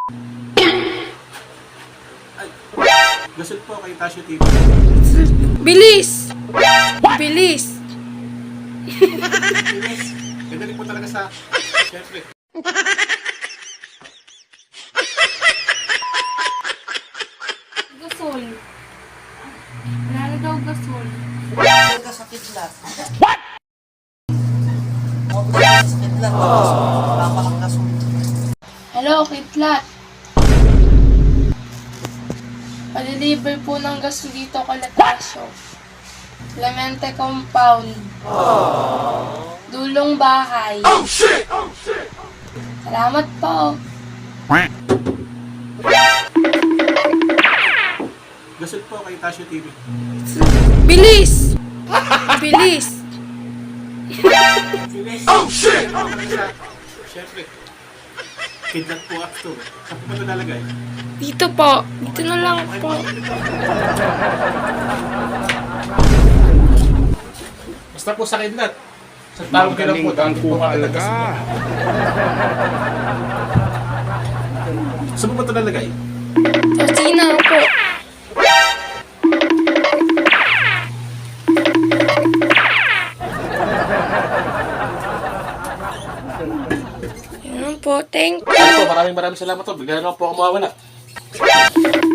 Ay, gasol po kay Tasyo TV. Bilis! Bilis! Ganda po talaga sa... Siyempre. Gasol. Wala na daw gasol. Huwag ka sa kidlat. What? Huwag ka sa kidlat. Tama ang gasol. Hello, Kitlat. Pa-deliver po ng gasol dito kay Latasio. Clemente Compound. Dulong bahay. Oh, shit! Oh, shit! Salamat po. Gasol po kay Tasyo TV. Bilis! Bilis! Oh, shit! Ganda po talaga sa... Siyempre. Kidlat po actor. Saan po ba ito nalagay? Dito po. Dito na lang po. Basta po sa kidlat. Sa tawag ka lang po. Magaling po talaga. Saan po ba ito nalagay? Kusina po. Yan po. Thank you. Maraming salamat po. Bigla na lang po ako mawawala.